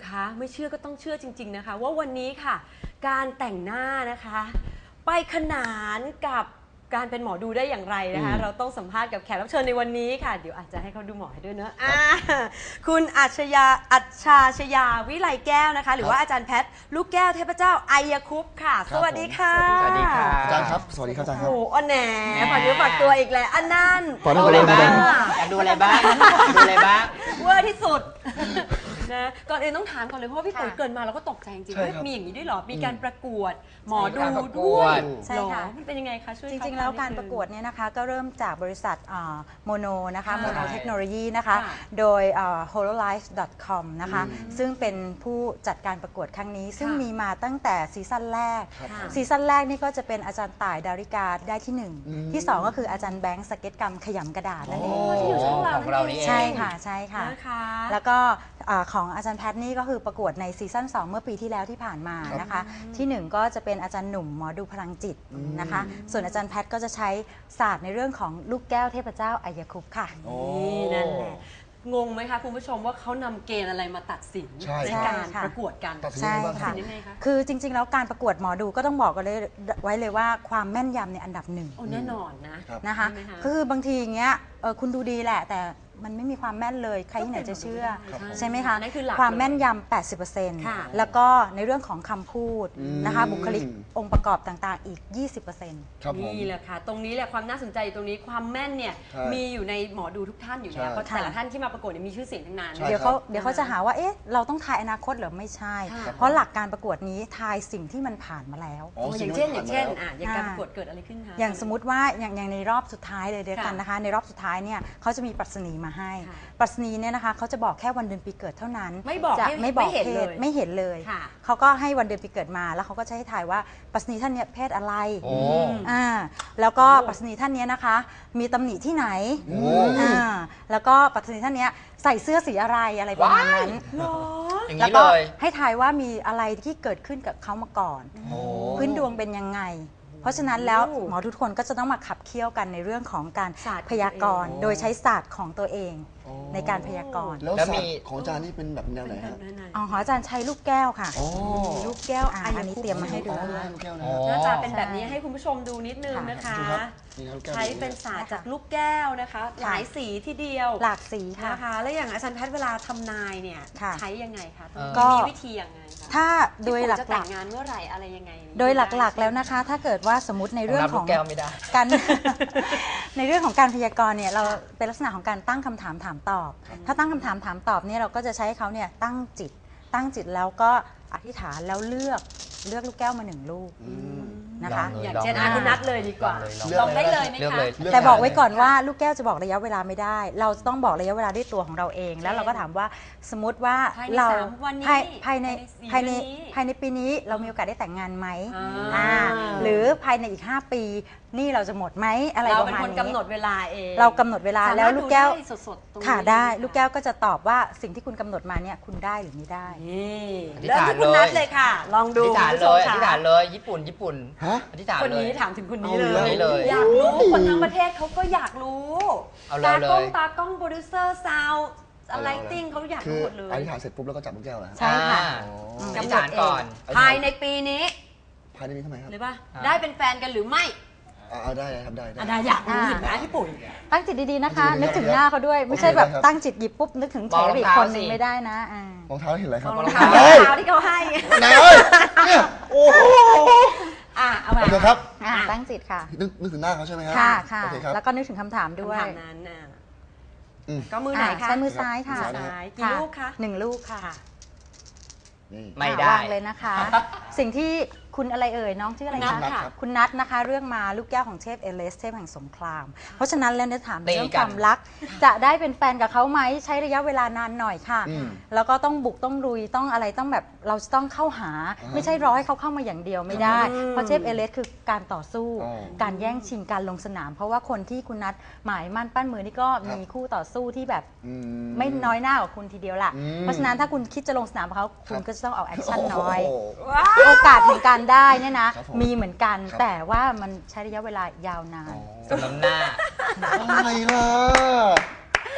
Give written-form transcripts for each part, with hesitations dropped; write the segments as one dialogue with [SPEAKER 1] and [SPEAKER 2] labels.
[SPEAKER 1] คะไม่เชื่อก็ต้องเชื่อจริงๆนะคะว่าวันนี้ค่ะการแต่งหน้านะคะไปขนานกับการเป็นหมอดูได้อย่างไรนะคะเราต้องสัมภาษณ์กับแขกรับเชิญในวันนี้ค่ะเดี๋ยวอาจจะให้เขาดูหมอให้ด้วยเนอะคุณอัชชยาวิไลแก้วนะคะหรือว่าอาจารย์แพทย์ลูกแก้วเทพเจ้าไอยคุปต์ค่ะสวัสดีค่ะ
[SPEAKER 2] สวัสดีค่ะ
[SPEAKER 3] อาจารย์ครับสวัสดีครับอาจารย์ครับ
[SPEAKER 1] โอ้อันแหนฝากเนื้อฝากตัวอีกแล้วอันนั่น
[SPEAKER 2] ดูอะไรบ้างอยากดูอะไรบ้างดูอะไรบ้าง
[SPEAKER 1] เวอร์ที่สุดนะก่อนอื่นต้องถามก่อนเลยเพราะว่าพี่ปุ๋ยเกินมาเราก็ตกใจจริงๆว่ามีอย่างนี้ด้วยเหรอมีการประกวดหมอดูด้วย
[SPEAKER 4] ใช่ค่ะ
[SPEAKER 1] มันเป็นยังไงคะช่วย
[SPEAKER 4] จริงๆแล้วการประกวดเนี่ยนะคะก็เริ่มจากบริษัทโมโนนะคะโมโนเทคโนโลยีนะคะโดย hololive.com นะคะซึ่งเป็นผู้จัดการประกวดครั้งนี้ซึ่งมีมาตั้งแต่ซีซั่นแรกนี่ก็จะเป็นอาจารย์ต่ายดาริกาได้ที่1ที่2ก็คืออาจารย์แบงค์สเก็ตกรรมขยำกระดาษนั่นเอง
[SPEAKER 1] ที่อยู่ช่องเรานี่เอง
[SPEAKER 4] ใช่ค่ะใช่ค่ะแล้วก็ของอาจารย์แพทย์นี่ก็คือประกวดในซีซั่น2เมื่อปีที่แล้วที่ผ่านมานะคะที่1ก็จะเป็นอาจารย์หนุ่มหมอดูพลังจิตนะคะส่วนอาจารย์แพทย์ก็จะใช้ศาสตร์ในเรื่องของลูกแก้วเทพเจ้าไอยคุปต์ค่ะ
[SPEAKER 1] นี่นั่นแหละงงไหมคะคุณผู้ชมว่าเขานำเกณฑ์อะไรมาตัดสินในการประกวดกัน
[SPEAKER 4] ใช่ค่ะคือจริงๆแล้วการประกวดหมอดูก็ต้องบอกกันเลยไว้เลยว่าความแม่นยำในอันดับ1
[SPEAKER 1] แน่นอน
[SPEAKER 4] นะคะคือบางทีอย่างเงี้ยคุณดูดีแหละแต่มันไม่มีความแม่นเลยใครที่ไหนจะเชื่อใช่ไหมคะความแม่นยำ 80% แล้วก็ในเรื่องของคำพูดนะคะบุคลิกองค์ประกอบต่างๆอีก 20%
[SPEAKER 1] นี่แหละค่ะตรงนี้แหละความน่าสนใจตรงนี้ความแม่นเนี่ยมีอยู่ในหมอดูทุกท่านอยู่แล้วเพราะแต่ละท่านที่มาประกวดมีชื่อเสียงทั้งนั้น
[SPEAKER 4] เดี๋ยวเขาจะหาว่าเอ๊ะเราต้องทายอนาคตหรือไม่ใช่เพราะหลักการประกวดนี้ทายสิ่งที่มันผ่านมาแล้ว
[SPEAKER 1] อย่างเช่นอย่างการประกวดเกิดอะไรขึ้นคะ
[SPEAKER 4] อย่างสมมติว่าอย่างในรอบสุดท้ายเลยเดียวกันนะคะในรอบสุดท้ายเนี่ยเขาจะมีปรัชนีมาให้ปรัชนีเนี่ยนะคะเขาจะบอกแค่วันเดือนปีเกิดเท่านั้น
[SPEAKER 1] ไม่บอก
[SPEAKER 4] เพศไม่เห็นเลยเขาก็ให้วันเดือนปีเกิดมาแล้วเขาก็จะให้ทายว่าปรัชนีท่านนี้เพศอะไรแล้วก็ปรัชนีท่านนี้นะคะมีตำหนิที่ไหนแล้วก็ปรัชนีท่านนี้ใส่เสื้อสีอะไรประมาณนั้นแล้วก็ให้ทายว่ามีอะไรที่เกิดขึ้นกับเขามาก่อนพื้นดวงเป็นยังไงเพราะฉะนั้นแล้วหมอทุกคนก็จะต้องมาขับเคี่ยวกันในเรื่องของการพยากรณ์โดยใช้ศาสตร์ของตัวเองในการพยากรณ์
[SPEAKER 3] แล้วมีของอาจารย์นี่เป็นแบบแนวไหนครับ
[SPEAKER 4] ของอาจารย์ใช้ลูกแก้วค่ะ
[SPEAKER 1] ลูกแก้ว
[SPEAKER 4] อันนี้เตรียมมาให้ดู
[SPEAKER 1] หน้าตาเป็นแบบนี้ให้คุณผู้ชมดูนิดนึงนะคะใช้เป็นศาสตร์จากลูกแก้วนะคะหลายสีทีเดียว
[SPEAKER 4] หลากสี
[SPEAKER 1] นะคะแล้วอย่างอาจารย์แพทย์เวลาทำนายเนี่ยใช้ยังไงคะมีวิธียังไงคะ
[SPEAKER 4] ถ้าโดยหลัก
[SPEAKER 1] ๆจะแต่งงานเมื่อไหร่อะไรยังไง
[SPEAKER 4] โดยหลักๆแล้วนะคะถ้าเกิดว่าสมมติในเรื่องของการในเรื่องของการพยากรณ์เนี่ยเราเป็นลักษณะของการตั้งคำถามถามตอบถ้าตั้งคำถามถามตอบเนี่ยเราก็จะใช้เขาเนี่ยตั้งจิตแล้วก็อธิษฐานแล้วเลือกลูกแก้วมา1ลูกนะคะ
[SPEAKER 1] อย่างเช่นคุณนัดเลยดีกว่าลองได้เลยไหมคะ
[SPEAKER 4] แต่บอกไว้ก่อนว่าลูกแก้วจะบอกระยะเวลาไม่ได้เราจะต้องบอกระยะเวลาด้วยตัวของเราเองแล้วเราก็ถามว่าสมมติว่าเราภายในปีนี้เรามีโอกาสได้แต่งงานไหมหรือภายในอีก5 ปีนี่เราจะหมดไหมอะไรประมาณนี้
[SPEAKER 1] เราเป็นคนกำหนดเวลาเอง
[SPEAKER 4] เรากำหนดเวลาแล้วลูกแก้วค่ะได้ลูกแก้วก็จะตอบว่าสิ่งที่คุณกำหนดมาเนี่ยคุณได้หรือไม่ได้
[SPEAKER 1] เริ่มที่คุณนัดเลยค่ะลองดู
[SPEAKER 2] อธิษฐานเลยญี่ปุ่นอธิษฐาน
[SPEAKER 1] คนนี้ถามถึงคนนี้เลยอยากรู้คนทั้งประเทศเขาก็อยากรู้ตากล้องโปรดิวเซอร์ซาวอะไรติ้งเขาอยากรู้หมดเลย
[SPEAKER 3] อธิษฐานเสร็จปุ๊บแล้วก็จับลูกแก้วแล้ว
[SPEAKER 4] ใช่ค่ะ
[SPEAKER 1] กำหนดก่อนภายในปีนี้
[SPEAKER 3] ภายในนี้ทำไมครับ
[SPEAKER 1] หรือป่ะได้เป็นแฟนกันหรือไม่
[SPEAKER 3] เอาได้ครับได้
[SPEAKER 1] อยากรู้เห็นไหมพี่ปุ๋ย
[SPEAKER 4] ตั้งจิตดีๆนะคะนึกถึงหน้าเขาด้วยไม่ใช่แบบตั้งจิตหยิบปุ๊บนึกถึงแขกอีกคนนึงไม่ได้นะ
[SPEAKER 3] รองเท้าเห็นอะไรครับ
[SPEAKER 1] รองเท้าที่เขาให้
[SPEAKER 3] ไหนเนี่ยโอ้โห
[SPEAKER 1] เอาไป
[SPEAKER 3] ครับ
[SPEAKER 4] ตั้งจิตค่ะ
[SPEAKER 3] นึกถึงหน้าเขาใช่ไหมครับ
[SPEAKER 4] ค่ะแล้วก็นึกถึงคำถามด้วย
[SPEAKER 1] นั้นก็มือไหนคะ
[SPEAKER 4] ใช้มือซ้ายค่ะ
[SPEAKER 1] กี่ลูกคะ
[SPEAKER 4] 1 ลูกค่ะ
[SPEAKER 2] ไม่ได้
[SPEAKER 4] วางเลยนะคะสิ่งที่คุณอะไรเอ่ยน้องชื่ออะไรคะคุณนัทนะคะเรื่องมาลูกแก้วของเทพเอเลสเทพแห่งสงครามเพราะฉะนั้นแล้วเนี่ยถามเรื่องความรักจะได้เป็นแฟนกับเขาไหมใช้ระยะเวลานานหน่อยค่ะแล้วก็ต้องบุกต้องลุยต้องอะไรต้องแบบเราจะต้องเข้าหาไม่ใช่รอให้เขาเข้ามาอย่างเดียวไม่ได้เพราะเทพเอเลสคือการต่อสู้การแย่งชิงการลงสนามเพราะว่าคนที่คุณนัทหมายมั่นปั้นมือนี่ก็มีคู่ต่อสู้ที่แบบไม่น้อยหน้ากว่าคุณทีเดียวล่ะเพราะฉะนั้นถ้าคุณคิดจะลงสนามเขาคุณก็จะต้องเอาแอคชั่นน้อยโอกาสของการได้เนี่ยนะมีเหมือนกันแต่ว่ามันใช้ระยะเวลายาวนาน
[SPEAKER 2] สำน้ำหน้า
[SPEAKER 3] อะไรล่ะ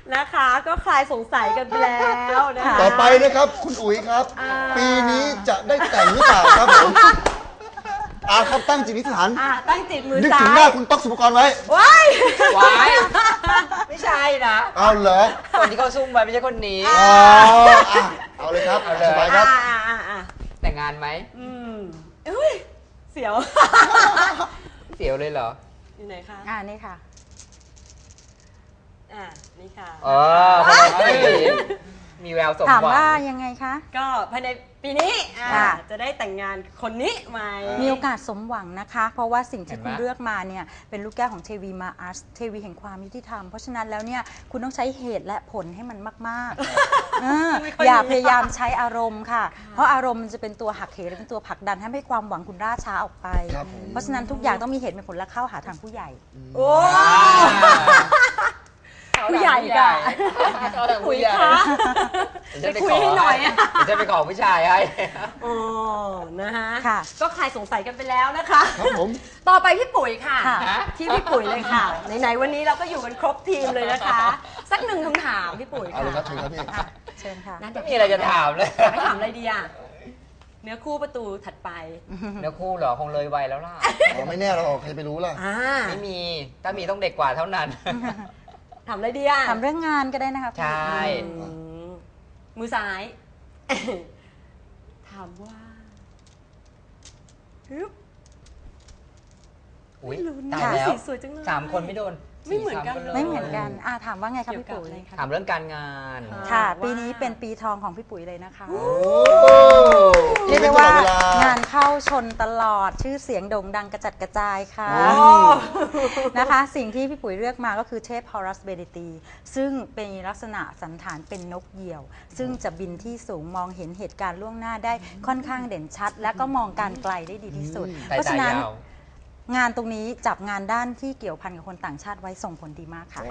[SPEAKER 1] นะคะ ก็คลายสงสัยกันไปแล้วนะคะ
[SPEAKER 3] ต่อไปนะครับ คุณอุ๋ยครับ ปีนี้จะได้แต่งหรือเปล่าครับผมครับตั้งจิตอธิษฐาน
[SPEAKER 1] ตั้งจิตมือ
[SPEAKER 3] นึก
[SPEAKER 1] ซ้า
[SPEAKER 3] ถึงหน้าย คุณต๊อกสุภกรไว้
[SPEAKER 1] ว้าย
[SPEAKER 2] วายไม่ใช่นะ
[SPEAKER 3] เอาเหรอ
[SPEAKER 2] คนที่เขาซุ่มไว้ไม่ใช่คนนี้
[SPEAKER 3] เอาเลยครับ
[SPEAKER 2] เอาเลย
[SPEAKER 3] สบายครับ
[SPEAKER 2] แต่งงานไหม
[SPEAKER 1] อุ้ยเสียว
[SPEAKER 2] เสียวเลยเหรอ
[SPEAKER 1] อยู่ไหนคะ
[SPEAKER 4] นี่ค่ะ
[SPEAKER 1] นี่ค่ะ
[SPEAKER 2] คนนี้มีแววสม
[SPEAKER 4] ถาม
[SPEAKER 2] หวั
[SPEAKER 4] ว่าง ยังไงคะ
[SPEAKER 1] ก็ภายในปีนี้
[SPEAKER 4] ค่ะ
[SPEAKER 1] จะได้แต่งงานคนนี้ไหม
[SPEAKER 4] มีโอกาสสมหวังนะคะ เพราะว่าสิ่งที่
[SPEAKER 2] เห็นไหม
[SPEAKER 4] คุณเลือกมาเนี่ยเป็นลูกแก้วของเทวีมาอาร์สเทวีแห่งความยุติธรรม เพราะฉะนั้นแล้วเนี่ยคุณต้องใช้เหตุและผลให้มันมากๆอย่าพยายามใช้อารมณ์ค่ะ เพราะอารมณ์มันจะเป็นตัวหักเหและเป็นตัวผลักดันให้ความหวังคุณล่าช้าออกไป
[SPEAKER 3] ครับผม
[SPEAKER 4] เพราะฉะนั้นทุกอย่างต้องมีเหตุมีผลและเข้าหาทางผู้ใหญ่
[SPEAKER 1] โอ้ผู้ใหญ่กัน
[SPEAKER 2] คุยคะ
[SPEAKER 1] ไปคุยให้หน่อยอะ
[SPEAKER 2] จะไปขอผู้ชายให้
[SPEAKER 1] อ๋อนะคะ
[SPEAKER 4] ค่ะ
[SPEAKER 1] ก็คลายสงสัยกันไปแล้วนะคะ
[SPEAKER 3] ครับผม
[SPEAKER 1] ต่อไปพี่ปุ๋ยค่ะ
[SPEAKER 4] ค่ะ
[SPEAKER 1] ที่พี่ปุ๋ยเลยค่ะ ไหนๆวันนี้เราก็อยู่กันครบทีมเลยนะคะ สักหนึ่งคำถามพี่ปุ๋ย
[SPEAKER 3] เอาเลยครับ
[SPEAKER 1] ค่ะ
[SPEAKER 3] เชิญครับพี่
[SPEAKER 4] เชิญค่ะ
[SPEAKER 1] นั่น
[SPEAKER 2] ไม่มีอะไรจะถามเลย
[SPEAKER 1] ไม่ถามอะไรดีอ่ะเนื้อคู่ประตูถัดไป
[SPEAKER 2] เนื้อคู่เหรอคงเลยวัยแล้วล่ะ
[SPEAKER 3] ไม่แน่หรอกใครไปรู้ล่ะ
[SPEAKER 2] ไม่มี ถ้ามีต้องเด็กกว่าเท่านั้น
[SPEAKER 1] ถามอะไรดีอ่ะ
[SPEAKER 4] ถามเรื่องงานก็ได้นะคะ
[SPEAKER 2] ใช่
[SPEAKER 1] อืมมือซ้าย ถามว่าฮึบ
[SPEAKER 2] อุ้ย
[SPEAKER 1] ลุ้น
[SPEAKER 2] ตายแล้ว
[SPEAKER 1] สีสวยจังเลย
[SPEAKER 2] สามคนไม่โดน
[SPEAKER 1] ไม่เหมือนกัน
[SPEAKER 2] สี่สาคลย
[SPEAKER 4] ไม่เหมือนกันถามว่าไงครับ
[SPEAKER 1] เกี่ยว
[SPEAKER 4] พี่
[SPEAKER 1] กับ
[SPEAKER 4] ปุ๋ย
[SPEAKER 1] อะไรคะ
[SPEAKER 2] ถามเรื่องการงาน
[SPEAKER 4] ค่ะ
[SPEAKER 1] ว่า
[SPEAKER 4] ปีนี้เป็นปีทองของพี่ปุ๋ยเลยนะคะ
[SPEAKER 3] โอ้
[SPEAKER 4] เรียกได้ว่า
[SPEAKER 3] ตลอดเวลาง
[SPEAKER 4] านเข้าชนตลอดชื่อเสียงโด่งดังกระจัดกระจายค่ะ
[SPEAKER 1] โอ้
[SPEAKER 4] นะคะ สิ่งที่พี่ปุ๋ยเลือกมาก็คือเทพฮอรัสเบเดตีซึ่งเป็นลักษณะสันฐานเป็นนกเหยี่ยว ซึ่งจะบินที่สูงมองเห็นเหตุการณ์ล่วงหน้าได้ค่อนข้างเด่นชัด และก็มองการไกลได้ดีที่สุด
[SPEAKER 2] สาย
[SPEAKER 4] เพราะ
[SPEAKER 2] ตา
[SPEAKER 4] ฉะนั้น
[SPEAKER 2] ยาว
[SPEAKER 4] งานตรงนี้จับงานด้านที่เกี่ยวพันกับคนต่างชาติไว้ส่งผลดีมากค่ะ
[SPEAKER 1] โอ้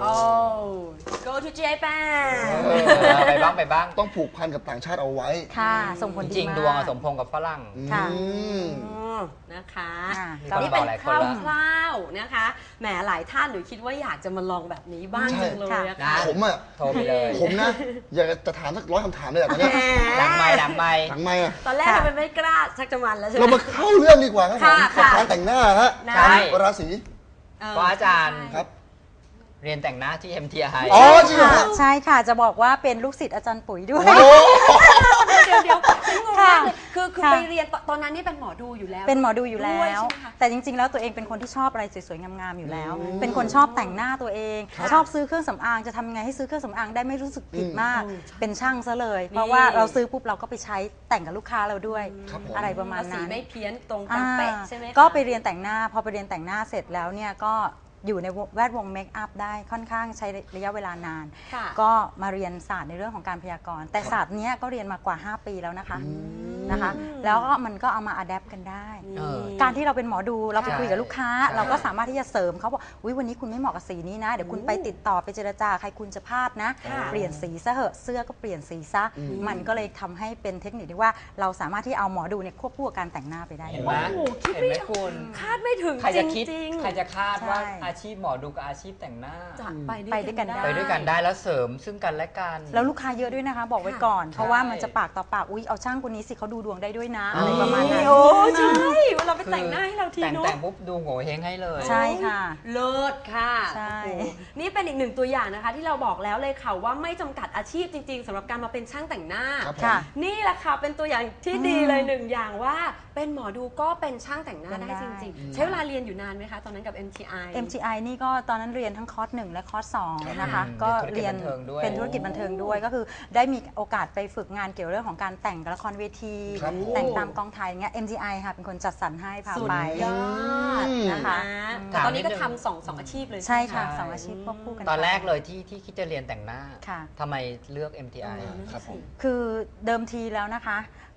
[SPEAKER 1] go to Japan
[SPEAKER 2] ไปบ้างไปบ้าง
[SPEAKER 3] ต้องผูกพันกับต่างชาติเอาไว้
[SPEAKER 4] ค่ะ ส่งผล
[SPEAKER 2] จ
[SPEAKER 4] ดี
[SPEAKER 2] ริง
[SPEAKER 4] มาก
[SPEAKER 2] ๆดวงอะสมพงษ์กับฝรั่ง
[SPEAKER 4] ค่ะ
[SPEAKER 3] อืม
[SPEAKER 1] นะคะ
[SPEAKER 2] มี
[SPEAKER 4] ก็
[SPEAKER 2] คน
[SPEAKER 1] นี่
[SPEAKER 2] บ
[SPEAKER 1] เป็
[SPEAKER 2] อก
[SPEAKER 1] น
[SPEAKER 2] หลาย
[SPEAKER 1] ค
[SPEAKER 2] คนแล้ว
[SPEAKER 1] ร่าวๆนะคะแหมหลายท่านหนูคิดว่าอยากจะมาลองแบบนี้บ้าง
[SPEAKER 3] ใช่
[SPEAKER 1] จังเลยอะค่ะ
[SPEAKER 2] นะ
[SPEAKER 3] ผมอ่ะ
[SPEAKER 2] โทรไปเลย
[SPEAKER 3] ผมนะ อยากจะถามสัก100 คำถามเลยอะตอนเนี้ย
[SPEAKER 2] ดังไม่ดังไม่
[SPEAKER 3] หลังไม่อะ
[SPEAKER 1] ตอนแรกทำไมไม่กล้าชักจะมันแล้วใช่ไหม
[SPEAKER 3] เรามาเข้าเรื่องดีกว่าครับผม
[SPEAKER 1] ค่ะ
[SPEAKER 3] กับการแต่งหน้าฮะ
[SPEAKER 1] นะ
[SPEAKER 2] ใช่
[SPEAKER 3] ราศี
[SPEAKER 2] เพราะอาจารย์
[SPEAKER 3] ครับ
[SPEAKER 2] เรียนแต่งหน้าที่ MTI
[SPEAKER 3] อ๋อจริงเหรอ
[SPEAKER 4] ค่ะ
[SPEAKER 3] ฮะ
[SPEAKER 4] ใช่ค่ะจะบอกว่าเป็นลูกศิษย์อาจารย์ปุ๋ยด้วย
[SPEAKER 3] โอ้โห
[SPEAKER 1] เดี๋ยวฉันงง
[SPEAKER 4] ค่ะ
[SPEAKER 1] มากเลยคือ
[SPEAKER 4] ค่ะ
[SPEAKER 1] ไปเรียนตอนนั้นนี่เป็นหมอดูอยู่แล้ว
[SPEAKER 4] เป็นหมอดูอยู่แล้
[SPEAKER 1] ด้วย
[SPEAKER 4] ว
[SPEAKER 1] ใช่ไหมคะ
[SPEAKER 4] แต่จริง ๆ แล้วตัวเองเป็นคนที่ชอบอะไรสวยๆ งามๆ อยู่แล้ว เป็นคนชอบแต่งหน้าตัวเอง ชอบซื้อเครื่องสำอาง จะทำยังไงให้ซื้อเครื่องสำอางได้ไม่รู้สึกผิดมาก เป็นช่างซะเลย เพราะว่าเราซื้อปุ๊บเราก็ไปใช้แต่งกับลูกค้าเราด้วย
[SPEAKER 3] ครับผม
[SPEAKER 4] อะไรประมาณ
[SPEAKER 1] แล้วสี
[SPEAKER 4] นั้น
[SPEAKER 1] ไม่เพี้ยนตรงตามเป๊ะใช่ไหมคะ
[SPEAKER 4] ก็ไปเรียนแต่งหน้า พอไปเรียนแต่งหน้าเสร็จแล้วเนี่ยก็อยู่ในแวดวงเมคอัพได้ค่อนข้างใช้ระยะเวลานาน
[SPEAKER 1] ค่ะ
[SPEAKER 4] ก็มาเรียนศาสตร์ในเรื่องของการพยากรณ์ แต่ศาสตร์เนี้ยก็เรียนมากว่า 5 ปีแล้วนะคะนะคะ แล้วก็มันก็เอามาอัดแอปกันได้
[SPEAKER 2] เออ
[SPEAKER 4] การที่เราเป็นหมอดูเราไป
[SPEAKER 2] ใช่
[SPEAKER 4] คุยกับลูกค้า
[SPEAKER 2] ใช่
[SPEAKER 4] เราก็สามารถที่จะเสริมเขาบอกอุ๊ยวันนี้คุณไม่เหมาะกับสีนี้นะ เดี๋ยวคุณไปติดต่อไปเจรจาใครคุณจะพลาดนะ
[SPEAKER 1] ค่ะ
[SPEAKER 4] เปลี่ยนสีซะเหอะเสื้อก็เปลี่ยนสีซะมันก็เลยทำให้เป็นเทคนิคที่ว่าเราสามารถที่เอาหมอดูเนี่ยควบคู่กับการแต่งหน้าไปได้
[SPEAKER 2] เห็นไหม
[SPEAKER 1] โอ้โหคิด
[SPEAKER 2] เห็น
[SPEAKER 1] ไม่
[SPEAKER 2] ไหมคุณ
[SPEAKER 1] คาดไม่ถึง
[SPEAKER 2] ใคร
[SPEAKER 1] จ
[SPEAKER 2] จะคิด
[SPEAKER 1] ริงๆ
[SPEAKER 2] ใครจะคาดว่า
[SPEAKER 4] ใช่
[SPEAKER 2] อาชีพหมอดูกับอาชีพแต่งหน้า
[SPEAKER 1] จะ
[SPEAKER 4] ไปด้วยกันได้
[SPEAKER 2] ไปด้วยกันได้แล้วเสริมซึ่งกันและกัน
[SPEAKER 4] แล้วลูกค้าเยอะด้วยนะคะ บอกไว้ก่อน เพราะว่ามันจะปากต่อปากอุ๊ยเอาช่างคนนี้สิเขาดูดวงได้ด้วยนะอะไรประมาณนั้น
[SPEAKER 1] โอ้ใช่เวลาไปแต่งหน้าให้เราที
[SPEAKER 2] แต่ง
[SPEAKER 1] เนาะ
[SPEAKER 2] แต่งปุ๊บดูโง่เฮงให้เลย
[SPEAKER 4] ใช่ค่ะ
[SPEAKER 1] เลิศค่ะ
[SPEAKER 4] ใช่
[SPEAKER 1] โอ้โหนี่เป็นอีกหนึ่งตัวอย่างนะคะ ที่เราบอกแล้วเลยค่ะว่าไม่จำกัดอาชีพจริง ๆสำหรับการมาเป็นช่างแต่งหน้า
[SPEAKER 3] ครับผม
[SPEAKER 4] ค่ะ
[SPEAKER 1] นี่แหละค่ะเป็นตัวอย่างที่ดีเลยหนึ่งอย่างว่าเป็นหมอดูก็เป็นช่างแต่งหน้า
[SPEAKER 4] เป็นได้
[SPEAKER 1] ได้จริง ๆ ใช้เวลาเรียนอยู่นานไหมคะตอนนั้นกับ MTI
[SPEAKER 4] MTI นี่ก็ตอนนั้นเรียนทั้งคอร์ส 1 และคอร์ส 2 นะคะ
[SPEAKER 2] อืม
[SPEAKER 4] ก็เรียน
[SPEAKER 2] เป็นธุรกิจบันเทิงด้วย
[SPEAKER 4] เป็นธุรกิจบันเทิงด้วยก็คือได้มีโอกาสไปฝึกงานเกี่ยวเรื่องของการแต่งละครเวที
[SPEAKER 3] ครับผม
[SPEAKER 4] แต่งตามกองถ่ายอย่างเงี้ย MTI ค่ะเป็นคนจัดสรรให้พา
[SPEAKER 1] สุด
[SPEAKER 4] ไป
[SPEAKER 1] ยอด
[SPEAKER 4] นะคะ
[SPEAKER 1] แต่ตอนนี้ก็ทำสองอาชีพเลย
[SPEAKER 4] ใช่
[SPEAKER 1] ไหม
[SPEAKER 4] ค่ะ
[SPEAKER 2] ใช่
[SPEAKER 4] สองอาชีพควบคู่กัน
[SPEAKER 2] ตอน
[SPEAKER 4] ไป
[SPEAKER 2] แรกเลยที่คิดจะเรียนแต่งหน้า
[SPEAKER 4] ค่ะ
[SPEAKER 2] ทำไมเลือก MTI
[SPEAKER 3] ครับผม
[SPEAKER 4] คือเดิมทีแล้วนะคะ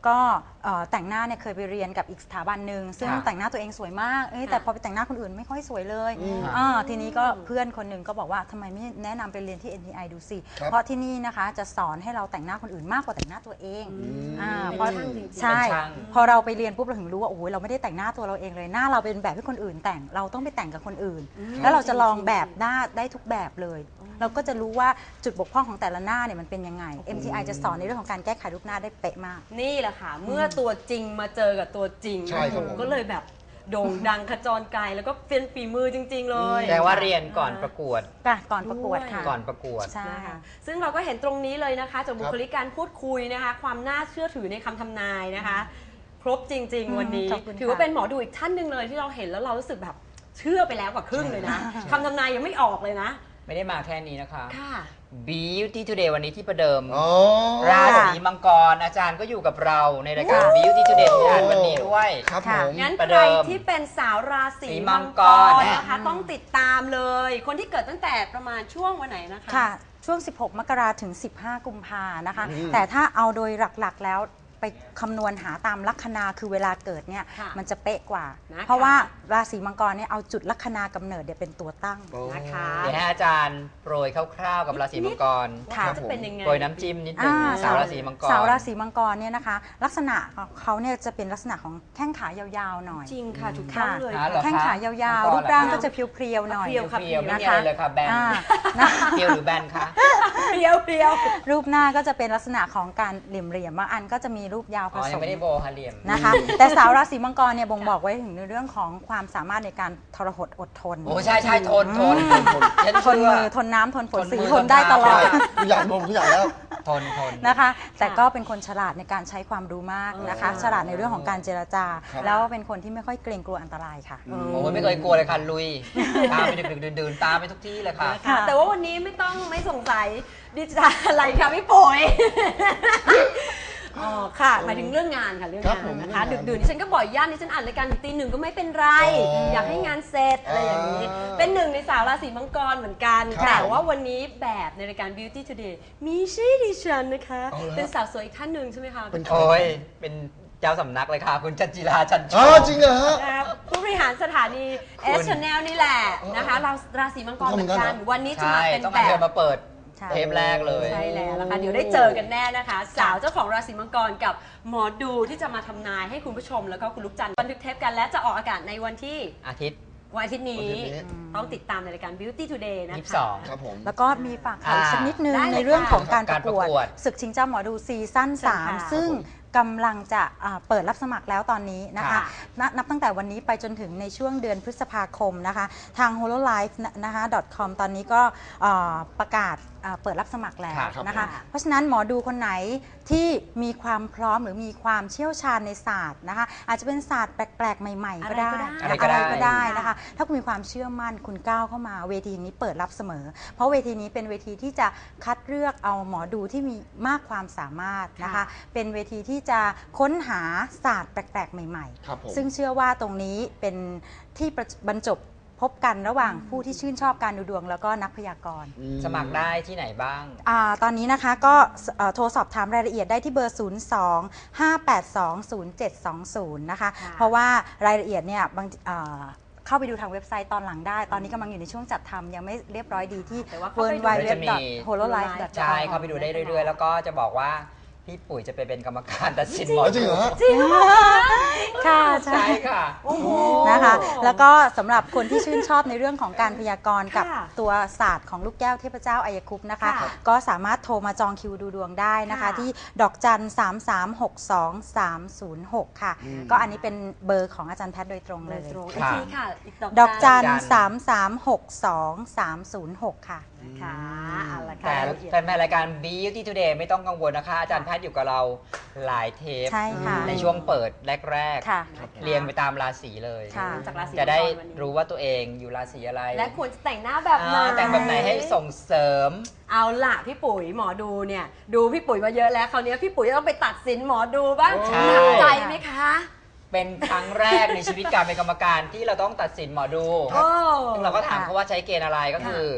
[SPEAKER 4] ก็แต่งหน้าเนี่ยเคยไปเรียนกับอีกสถาบันหนึ่งซึ่ง
[SPEAKER 2] ค่ะ
[SPEAKER 4] แต่งหน้าตัวเองสวยมากแต่พอไปแต่งหน้าคนอื่นไม่ค่อยสวยเลย ทีนี้ก็เพื่อนคนหนึ่งก็บอกว่าทำไมไม่แนะนำไปเรียนที่ NTI ดูสิ
[SPEAKER 3] ครับ
[SPEAKER 4] เพราะที่นี่นะคะจะสอนให้เราแต่งหน้าคนอื่นมากกว่าแต่งหน้าตัวเองเพราะ
[SPEAKER 1] เป็นช่างจริงๆ
[SPEAKER 4] ใช่
[SPEAKER 2] เป็นช่าง
[SPEAKER 4] พอเราไปเรียนปุ๊บเราถึงรู้ว่าโอ้โหเราไม่ได้แต่งหน้าตัวเราเองเลยหน้าเราเป็นแบบที่คนอื่นแต่งเราต้องไปแต่งกับคนอื่น แล้วเราจะลองแบบหน้าได้ทุกแบบเลย เราก็จะรู้ว่าจุดบกพร่องของแต่ละหน้าเนี่ยมันเป็นยังไง MTI จะสอนในเรื่องของการแก้ไขรูปหน้าได้เป๊ะมาก
[SPEAKER 1] นี่แหละค่ะ เมื่อตัวจริงมาเจอกับตัวจริง
[SPEAKER 3] ใช่ครับผม
[SPEAKER 1] ก็เลยแบบโด่งดังขจรไกลแล้วก็เป็นฝีมือจริง ๆ เลย
[SPEAKER 2] แต่ว่าเรียนก่อนประกวด
[SPEAKER 4] ก่อนประกวดค่ะ
[SPEAKER 2] ก่อนประกวด
[SPEAKER 4] ใช่
[SPEAKER 1] นะคะซึ่งเราก็เห็นตรงนี้เลยนะคะจากบุคลิกการพูดคุยนะคะ ความน่าเชื่อถือในคำทำนายนะคะ ครบจริง ๆ วันนี้
[SPEAKER 4] ขอบคุณค่ะ
[SPEAKER 1] ถือว่าเป็นหมอดูอีกท่านหนึ่งเลยที่เราเห็นแล้วเรารู้สึกแบบเชื่อไปแล้วกว่าครึ่งเลยนะคำทำนายยังไม่ออกเลยนะ
[SPEAKER 2] ไม่ได้มาแค่นี้นะคะ
[SPEAKER 1] ค่ะ
[SPEAKER 2] Beauty Today วันนี้ที่ประเดิม
[SPEAKER 3] อ๋อ
[SPEAKER 2] ราศีมังกรอาจารย์ก็อยู่กับเราในรายการ Beauty Today ที่อ่านวันนี้ด้วย
[SPEAKER 3] ครับผม
[SPEAKER 1] งั้น
[SPEAKER 2] ประ
[SPEAKER 1] ใค
[SPEAKER 2] เดิ
[SPEAKER 1] ร
[SPEAKER 2] ม
[SPEAKER 1] ที่เป็นสาวราศี
[SPEAKER 2] สีมั
[SPEAKER 1] มัง
[SPEAKER 2] ง
[SPEAKER 1] ก
[SPEAKER 2] ก
[SPEAKER 1] ร
[SPEAKER 2] ร
[SPEAKER 1] นะคะต้องติดตามเลย คนที่เกิดตั้งแต่ประมาณช่วงวันไหนนะคะ
[SPEAKER 4] ค่ะ ช่วง 16 มกราถึง 15 กุมภานะคะ แต่ถ้าเอาโดยหลักๆแล้วไปคำนวณหาตามลัคนาคือเวลาเกิดเนี่ย
[SPEAKER 1] ค่ะ
[SPEAKER 4] มันจะเป๊ะกว่า
[SPEAKER 1] นะคะ
[SPEAKER 4] เพราะว่าราศีมังกรเนี่ยเอาจุดลัคนากำเนิดเนี่ยเป็นตัวตั้ง
[SPEAKER 1] นะคะ
[SPEAKER 2] เดี๋ยวให้อาจารย์โปรยคร่าวๆกับราศีมังกร
[SPEAKER 1] ว่า
[SPEAKER 4] ค่ะ
[SPEAKER 1] เขาจะเป็นยังไง
[SPEAKER 2] โปรยน้ำจิ้มนิดนึงสาวราศีมังกร
[SPEAKER 4] สาวราศีมังกรเนี่ยนะคะ ลักษณะของเขาเนี่ยจะเป็นลักษณะของแข้งขายาวๆหน่อย
[SPEAKER 1] จริงค่ะถูกต้องเลย
[SPEAKER 2] ค่ะ
[SPEAKER 4] แข้งขายาวๆ รูปร่างก็จะเพรียวๆหน่อย
[SPEAKER 1] เพรียว
[SPEAKER 2] เพียวๆไม่
[SPEAKER 4] นะ
[SPEAKER 2] มี
[SPEAKER 4] คะ
[SPEAKER 2] อะไรเลยค่ะแบน
[SPEAKER 4] นะ
[SPEAKER 2] เพียวหรือแบนคะ
[SPEAKER 1] เพียวเพียว
[SPEAKER 4] รูปหน้าก็จะเป็นลักษณะของการเหลี่ยมๆบางอันก็จะมีรูปยาวผ
[SPEAKER 2] อ๋อ
[SPEAKER 4] ส
[SPEAKER 2] ยัง
[SPEAKER 4] ม
[SPEAKER 2] ไม่ได้โบฮาเลียม
[SPEAKER 4] นะคะ แต่สาวราศีมังกรเนี่ยบ่งบอกไว้ถึงในเรื่องของความสามารถในการทรหดอดทน
[SPEAKER 2] โอ้ใช่ใช่ทนฉัน
[SPEAKER 4] ทน
[SPEAKER 2] เชื่
[SPEAKER 4] มื
[SPEAKER 2] อ
[SPEAKER 4] อทนน้ำทนฝน
[SPEAKER 2] ทน
[SPEAKER 4] สี
[SPEAKER 2] มือ
[SPEAKER 4] ทนได้ตลอด
[SPEAKER 2] ทนน้ำ
[SPEAKER 3] ทุกอย่างรวมทุกอย่างแล้ว
[SPEAKER 2] ทน
[SPEAKER 4] นะคะ แต่ก็เป็นคนฉลาดในการใช้ความรู้มากนะคะ ฉลาดในเรื่องของการเจรจา
[SPEAKER 3] ครับ
[SPEAKER 4] แล้วเป็นคนที่ไม่ค่อยเกรงกลัวอันตรายค่ะ
[SPEAKER 2] โอ้ยไม่เคยกลัวเลยค่ะลุย ตามไปดึกๆดื่นๆตามไปทุกที่เลยค่ะ
[SPEAKER 1] ค่ะแต่ว่าวันนี้ไม่สงสัยดิจิทัลอะไรค่ะพี่ปุ๋ยอ๋อค่ะหมายถึงเรื่องงานค่ะเรื่อง
[SPEAKER 3] ครับ
[SPEAKER 1] งาน
[SPEAKER 3] ผม
[SPEAKER 1] นะคะ
[SPEAKER 3] เรื่องงาน
[SPEAKER 1] ดึกๆดิฉันก็บ่อยย่านดิฉันอ่านรายการถึงตีหนึ่งก็ไม่เป็นไร อยากให้งานเสร็จอะไรอย่างนี้ เป็นหนึ่งในสาวราศีมังกรเหมือนกัน
[SPEAKER 3] ครับ
[SPEAKER 1] แต่ว่าวันนี้แบบในรายการ Beauty Today มีชื่อดิฉันนะคะ
[SPEAKER 3] เอาละ
[SPEAKER 1] เป็นสาวสวยอีกท่านหนึ่งใช่ไหมคะ
[SPEAKER 3] เป็นใคร
[SPEAKER 2] โอ้ยเป็นเจ้าสำนักเลยค่ะ คุณจันจิราจันโช
[SPEAKER 3] อ๋อ
[SPEAKER 2] ค
[SPEAKER 3] จริงเหรอฮะ
[SPEAKER 1] นะคะผู้บริหารสถานี S Channel นี่แหละนะคะเราราศีมังกรเหมือนกัน วันนี้จะ
[SPEAKER 2] ใช่
[SPEAKER 1] มาเป็น
[SPEAKER 2] ต้อง
[SPEAKER 1] แบ
[SPEAKER 2] เอาเธ
[SPEAKER 1] บ
[SPEAKER 2] อมาเปิด
[SPEAKER 4] ใช่
[SPEAKER 2] เทปแรกเลย
[SPEAKER 1] ใช่แล้วนะคะเดี๋ยวได้เจอกันแน่นะคะ สาวเจ้าของราศีมังกรกับหมอดูที่จะมาทำนายให้คุณผู้ชมแล้วก็คุณลูกจันทร์บันทึกเทปกันและจะออกอากาศในวันที่
[SPEAKER 2] อาทิตย์
[SPEAKER 1] วันอาทิตย์นี้
[SPEAKER 3] วันอาทิตย์นี้
[SPEAKER 1] ต้องติดตามในรายการ Beauty Today นะคะ
[SPEAKER 2] 22
[SPEAKER 3] ครับผม
[SPEAKER 4] แล้วก็มีฝากข่าวอีกสักนิดนึง
[SPEAKER 1] ได้เลย
[SPEAKER 4] ในเรื่องของการ
[SPEAKER 2] ค่ะ
[SPEAKER 4] ประกวด
[SPEAKER 2] การประกวด
[SPEAKER 4] ศึกชิงเจ้าหมอดูซีซั่น
[SPEAKER 1] ใช่ค่ะ
[SPEAKER 4] 3 ซึ่งกำลังจะเปิดรับสมัครแล้วตอนนี้นะคะ
[SPEAKER 1] ค่ะ
[SPEAKER 4] นับตั้งแต่วันนี้ไปจนถึงในช่วงเดือนพฤษภาคมนะคะ ทาง hololive นะคะ .com ตอนนี้ก็ประกาศเปิดรับสมัครแล้ว
[SPEAKER 2] ครับ
[SPEAKER 4] นะคะ เพราะฉะนั้นหมอดูคนไหนที่มีความพร้อมหรือมีความเชี่ยวชาญในศาสตร์นะคะ อาจจะเป็นศาสตร์แปลกๆ ใหม่ๆ ก็ได้
[SPEAKER 2] อะไรก็ได้
[SPEAKER 4] อะไรก็ได้นะคะ ถ้าคุณมีความเชื่อมั่นคุณก้าวเข้ามาเวทีนี้เปิดรับเสมอ เพราะเวทีนี้เป็นเวทีที่จะคัดเลือกเอาหมอดูที่มีมากความสามารถนะคะ
[SPEAKER 1] ค่ะ
[SPEAKER 4] เป็นเวทีที่จะค้นหาศาสตร์แปลกๆ ใหม่
[SPEAKER 3] ครับผม
[SPEAKER 4] ๆ ซึ่งเชื่อว่าตรงนี้เป็นที่บรรจบพบกันระหว่างผู้ที่ชื่นชอบการดูดวงแล้วก็นักพยากรณ์
[SPEAKER 2] สมัครได้ที่ไหนบ้าง
[SPEAKER 4] ตอนนี้นะคะก็โทรสอบถามรายละเอียดได้ที่เบอร์ 02-582-0720 นะคะ
[SPEAKER 1] ค่ะ
[SPEAKER 4] เพราะว่ารายละเอียดเนี่ยเข้าไปดูทางเว็บไซต์ตอนหลังได้ ตอนนี้กำลังอยู่ในช่วงจัดทำยังไม่เรียบร้อยดีที่
[SPEAKER 1] แต่ว่า
[SPEAKER 4] w
[SPEAKER 1] เข้า
[SPEAKER 4] w
[SPEAKER 1] ไป
[SPEAKER 4] w
[SPEAKER 1] ดู
[SPEAKER 2] จะมี
[SPEAKER 4] h o l o l i f e
[SPEAKER 2] ใช่เข้าไปดูได้เรื่อยๆ แล้วก็จะบอกว่าพี่ปุ๋ยจะไปเป็นกรรมการตัดสินหมอ
[SPEAKER 3] จริงเหรอฮะ
[SPEAKER 1] จริงเหรอ
[SPEAKER 4] ค่ะใช่
[SPEAKER 2] ใช่ค่ะ
[SPEAKER 1] โอ้โห
[SPEAKER 4] นะคะ แล้วก็สำหรับคนที่ชื่นชอบในเรื่องของการพยากรณ์กับ
[SPEAKER 1] ค่ะ
[SPEAKER 4] ตัวศาสตร์ของลูกแก้วเทพเจ้าอัยคุปต์นะคะ
[SPEAKER 1] ค่ะ
[SPEAKER 4] ก็สามารถโทรมาจองคิวดูดวงได้นะคะ
[SPEAKER 1] ค่ะ
[SPEAKER 4] ที่ดอกจัน 3362306 ค่ะ ก็อันนี้เป็นเบอร์ของอาจารย์แพทย์โดยตรงเลย
[SPEAKER 1] ตรง
[SPEAKER 2] ค่ะ
[SPEAKER 1] อีกทีค่ะอีก
[SPEAKER 4] ดอกจัน
[SPEAKER 2] จัน
[SPEAKER 4] 3362306 ค่ะ
[SPEAKER 1] ค่ะเอาละค่ะ
[SPEAKER 2] แต่
[SPEAKER 1] รายละเอียด
[SPEAKER 2] แฟนๆรายการ Beauty Today ไม่ต้องกังวลนะคะ อาจารย์แพทย์อยู่กับเราหลายเทป
[SPEAKER 4] ใช่ค่ะ
[SPEAKER 2] ในช่วงเปิดแรก
[SPEAKER 4] ค่ะ
[SPEAKER 2] ๆ เรียงไปตามราศีเลย
[SPEAKER 4] ค่ะ
[SPEAKER 1] จากราศี
[SPEAKER 2] จะได้
[SPEAKER 1] มังกวันนี้
[SPEAKER 2] รู้ว่าตัวเองอยู่ราศีอะไร
[SPEAKER 1] และควรจะแต่งหน้าแบบไหน
[SPEAKER 2] แต่งแบบไหนให้ส่งเสริม
[SPEAKER 1] เอาล่ะพี่ปุ๋ยหมอดูเนี่ยดูพี่ปุ๋ยมาเยอะแล้วคราวนี้พี่ปุ๋ยจะต้องไปตัดสินหมอดูบ้าง
[SPEAKER 2] ใช่
[SPEAKER 1] หนักใจไหมคะ
[SPEAKER 2] เป็นครั้งแรกในชีวิตการเป็นกรรมการที่เราต้องตัดสินหมอดู
[SPEAKER 1] โอ้
[SPEAKER 2] ซึ่งเราก็ถามเขาว่าใช้เกณฑ์อะไรก็คือ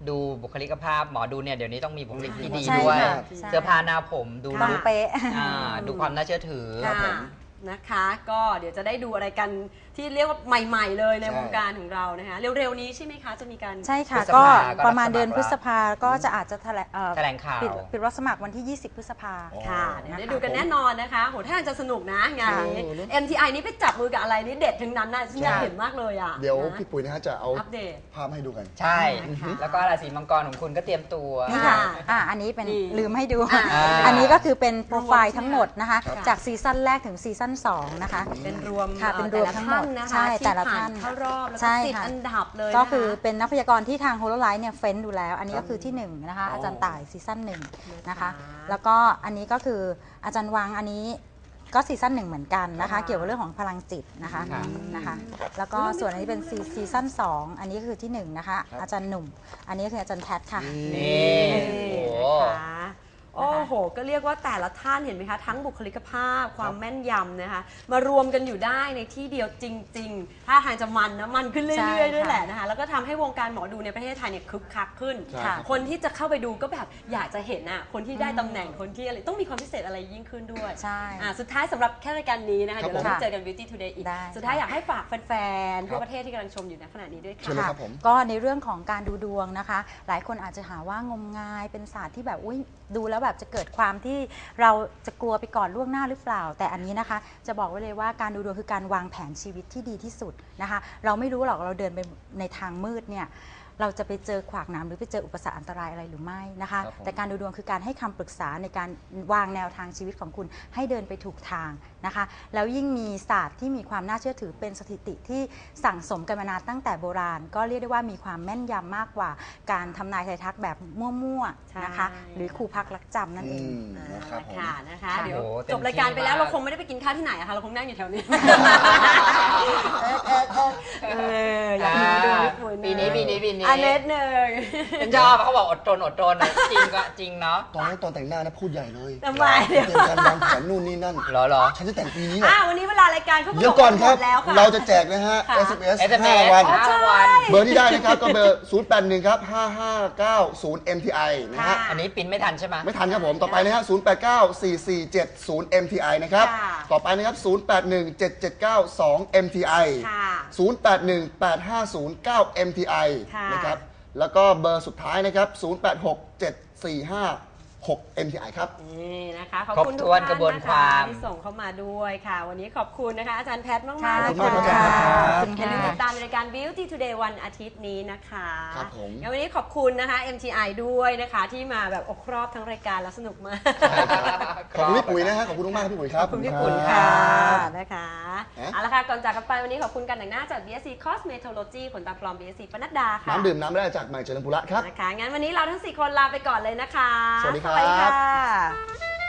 [SPEAKER 2] ดูบุคลิกภาพหมอดูเนี่ยเดี๋ยวนี้ต้องมีบุคลิกที่ดี
[SPEAKER 4] ใช่
[SPEAKER 2] ด้วย
[SPEAKER 4] ค่ะใช่
[SPEAKER 2] เสื้อผ้าหน้าผมดู
[SPEAKER 4] ต้อง
[SPEAKER 2] ลุค
[SPEAKER 4] เป๊ะ
[SPEAKER 2] ดูความน่าเชื่อถือ
[SPEAKER 1] ค่ะนะคะก็เดี๋ยวจะได้ดูอะไรกันที่เรียกว่าใหม่ๆเลยใน
[SPEAKER 3] ใช่
[SPEAKER 1] วงการของเรานะคะเร็วๆนี้ใช่ไหมคะจะมีการ
[SPEAKER 4] ใช่ค่ะ
[SPEAKER 2] พฤษ
[SPEAKER 4] ก็
[SPEAKER 2] ภาก็
[SPEAKER 4] ประมาณ
[SPEAKER 2] รับสมัคร
[SPEAKER 4] เดือนพฤษภาก็จะอาจจะแ
[SPEAKER 2] แถลงข่าว
[SPEAKER 4] ปิดรับสมัครวันที่ 20 พฤษภา
[SPEAKER 1] ค่ะเดี๋ยวได้ดูกันแน่นอนนะคะโหถ้าจะสนุกนะงานนี้ MTI นี่ไปจับมือกับอะไรนี่เด็ดทั้งนั้นนะฉันอยากเห็นมากเลยอ่ะ
[SPEAKER 3] เดี๋ยว
[SPEAKER 1] นะ
[SPEAKER 3] พี่ปุ๋ยนะฮะจะเอา
[SPEAKER 1] อัปเดต
[SPEAKER 3] ภาพให้ดูกัน
[SPEAKER 2] ใช่ แล้วก็ราศีมังกรของคุณก็เตรียมตัว
[SPEAKER 4] นี่ค่ะ
[SPEAKER 1] ค่ะ
[SPEAKER 4] อันนี้เป็น
[SPEAKER 1] นี่
[SPEAKER 4] ลืมให้ดู
[SPEAKER 1] อ่า
[SPEAKER 4] อันนี้ก็คือเป็นโปรไฟล์ทั้งหมดนะคะ
[SPEAKER 1] ครับ
[SPEAKER 4] จากซีซั่นแรกถึงซีซั่น2นะคะ
[SPEAKER 1] เป็นรวม
[SPEAKER 4] ค่ะเป็นรวมทั้งหมด
[SPEAKER 1] แต่ละท่านนะคะ
[SPEAKER 4] ใช่แต่ละ
[SPEAKER 1] ที่ผ่
[SPEAKER 4] ท่าน
[SPEAKER 1] เข้ารอบแล้ว
[SPEAKER 4] ใช่
[SPEAKER 1] ก็ติด
[SPEAKER 4] ค่ะ
[SPEAKER 1] อันดับเลย
[SPEAKER 4] ก็
[SPEAKER 1] นะะ
[SPEAKER 4] คือเป็นนักพยากรณ์ที่ทางโฮโลไลท์เนี่ยเฟ้นดูแล้ว อันนี้ก็คือที่1นะคะอาจารย์ต่ายซีซั่น1นะคะแล้วก็อันนี้ก็คืออาจารย์วังอันนี้ก็ซีซั่น1เหมือนกันนะคะ เกี่ยวกับเรื่องของพลังจิตนะคะ
[SPEAKER 2] ครับ
[SPEAKER 4] นะคะแล้วก็ส่วนอันนี้เป็นซีซั่น2อันนี้ก็คือที่1นะคะอาจารย์หนุ่ม อันนี้คืออาจารย์แพทค่ะ
[SPEAKER 2] นี่
[SPEAKER 1] นี่
[SPEAKER 2] โอ้โห
[SPEAKER 1] นะคะโอ้โห ก็เรียกว่าแต่ละท่านเห็นไหมคะ ทั้งบุคลิกภาพความแม่นยำนะคะ มารวมกันอยู่ได้ในที่เดียวจริงๆ ถ้าทางจะมันนะมันขึ้น
[SPEAKER 4] ใช่
[SPEAKER 1] เรื่อยๆด้วย
[SPEAKER 4] ค่ะ
[SPEAKER 1] แหละนะคะ แล้วก็ทำให้วงการหมอดูในประเทศไทยเนี่ยคึกคักขึ้น
[SPEAKER 3] ใช่ครับ
[SPEAKER 1] คนที่จะเข้าไปดูก็แบบอยากจะเห็นอ่ะคนที่ได้ตำแหน่งคนที่อะไรต้องมีความพิเศษอะไรยิ่งขึ้นด้วย
[SPEAKER 4] ใช่
[SPEAKER 1] สุดท้ายสำหรับแค่รายการนี้นะคะ
[SPEAKER 3] ครับ
[SPEAKER 1] เดี๋ยวเรา
[SPEAKER 3] ผม
[SPEAKER 1] ได้เจอกัน Beauty Today อีก
[SPEAKER 4] ได้
[SPEAKER 1] สุดท้ายอยากให้ฝากแฟนๆทั่ว
[SPEAKER 3] ครับ
[SPEAKER 1] ประเทศที่กำลังชมอยู่ในขณะนี้ด้วย
[SPEAKER 3] เชิญ
[SPEAKER 1] ค่ะ
[SPEAKER 3] เลยครับผม
[SPEAKER 4] ก็ในเรื่องของการดูดวงนะคะ หลายคนอาจจะหาว่างมงายเป็นศาสตร์ที่แบบอุ้ยดูแล้วแบบจะเกิดความที่เราจะกลัวไปก่อนล่วงหน้าหรือเปล่า แต่อันนี้นะคะจะบอกไว้เลยว่าการดูดวงคือการวางแผนชีวิตที่ดีที่สุดนะคะ เราไม่รู้หรอกเราเดินไปในทางมืดเนี่ยเราจะไปเจอขวากหนามหรือไปเจออุปสรรคอันตรายอะไรหรือไม่นะคะ
[SPEAKER 3] ครับผม
[SPEAKER 4] แต่การดูดวงคือการให้คำปรึกษาในการวางแนวทางชีวิตของคุณให้เดินไปถูกทางนะคะ แล้วยิ่งมีศาสตร์ที่มีความน่าเชื่อถือเป็นสถิติที่สั่งสมกันมานานตั้งแต่โบราณ ก็เรียกได้ว่ามีความแม่นยำมากกว่าการทำนายไทายทักแบบมั่วๆนะคะ
[SPEAKER 1] ใช่
[SPEAKER 4] หรือครูพักรักจำนั่นเอง
[SPEAKER 3] นะครับผม
[SPEAKER 1] ค่ะนะคะ
[SPEAKER 2] ค่ะ
[SPEAKER 1] เดี๋ยว
[SPEAKER 2] โอ้เต็ม
[SPEAKER 1] จบรายการไปแล้ว
[SPEAKER 2] ที่มาก
[SPEAKER 1] เราคงไม่ได้ไปกินข้าวที่ไหนอะค่ะเราคงนั่งอยู่แถวนี้อยากดูญี่ปุ่น
[SPEAKER 2] ปีนี้
[SPEAKER 1] อันเน็ตหนึ่ง
[SPEAKER 2] ฉันชอบเขาบอกอดทนนะจริงก็จริงเนาะ
[SPEAKER 3] ตอนนั้นตอนแต่งหน้านะพูดใหญ่เลย
[SPEAKER 1] ทำไม
[SPEAKER 3] เตรียมการวางแผนนู่นนี่นั่น
[SPEAKER 2] เหรอ
[SPEAKER 3] ฉันจะแต่งปีนี้แหละ
[SPEAKER 1] วันนี้เวลารายการเขา
[SPEAKER 3] เดี๋ยวก่อนครับ
[SPEAKER 1] หมดแล้วค่ะ
[SPEAKER 3] เราจะแจกนะฮะ
[SPEAKER 1] ค่ะ
[SPEAKER 3] SMS
[SPEAKER 2] SMS
[SPEAKER 3] 5 วัน
[SPEAKER 2] 5 วัน
[SPEAKER 3] เบอร์ที่ได้นะครับก็เบอร์ 081 ครับ 5590 MTI นะฮะ
[SPEAKER 2] อันนี้ปินไม่ทันใช่ไหม
[SPEAKER 3] ไม่ทันครับผม ต่อไปนะฮะ 089-4470 MTI นะครับ
[SPEAKER 1] ค่ะ
[SPEAKER 3] ต่อไปนะครับ 081-779-2 MTI
[SPEAKER 1] ค่ะ
[SPEAKER 3] 081-8509 MTI
[SPEAKER 1] ค่ะ
[SPEAKER 3] นะครับ แล้วก็เบอร์สุดท้ายนะครับ 086-745-6 MTI ครับ
[SPEAKER 1] นี่นะคะขอบคุณ
[SPEAKER 2] ครบ
[SPEAKER 1] ทุ
[SPEAKER 2] ถ้
[SPEAKER 1] ก
[SPEAKER 2] วน
[SPEAKER 1] ท่าน
[SPEAKER 2] กระบวน
[SPEAKER 1] นะ
[SPEAKER 2] ควา
[SPEAKER 1] คะ
[SPEAKER 2] ม
[SPEAKER 1] ที่ส่งเข้ามาด้วยค่ะ วันนี้ขอบคุณนะคะอาจารย์แพทย์มาก
[SPEAKER 4] ค่ะ
[SPEAKER 1] ๆ
[SPEAKER 3] ขอบคุณมากครับ
[SPEAKER 1] อย่าลืมติดตามในรายการ Beauty Today วันอาทิตย์นี้นะคะ
[SPEAKER 3] ครับผม
[SPEAKER 1] งั้นวันนี้ขอบคุณนะคะ MTI ด้วยนะคะที่มาแบบอกครอบทั้งรายการแล้วสนุกมาก
[SPEAKER 3] ขอบคุณพี่ปุ๋ยนะฮะ ขอบคุณมากๆครับพี่ปุ๋ยครับ
[SPEAKER 1] ขอบคุณพี่ปุ๋ยค่ะนะคะ
[SPEAKER 3] ฮะ
[SPEAKER 1] เอาละค่ะก่อนจากกันไปวันนี้ขอบคุณการแต่งหน้าจาก BSC Cosmetology ขนตาปลอม BSC ปนัดดาค่ะ
[SPEAKER 3] น้ำดื่มน้ำไม่ได้จากใหม่เจริญปุระครับ
[SPEAKER 1] นะคะงั้นวันนี้เราทั้ง4คนลาไปก่อนเลยนะคะ
[SPEAKER 3] สวัสดีครับ
[SPEAKER 1] สวัสดีค่ะ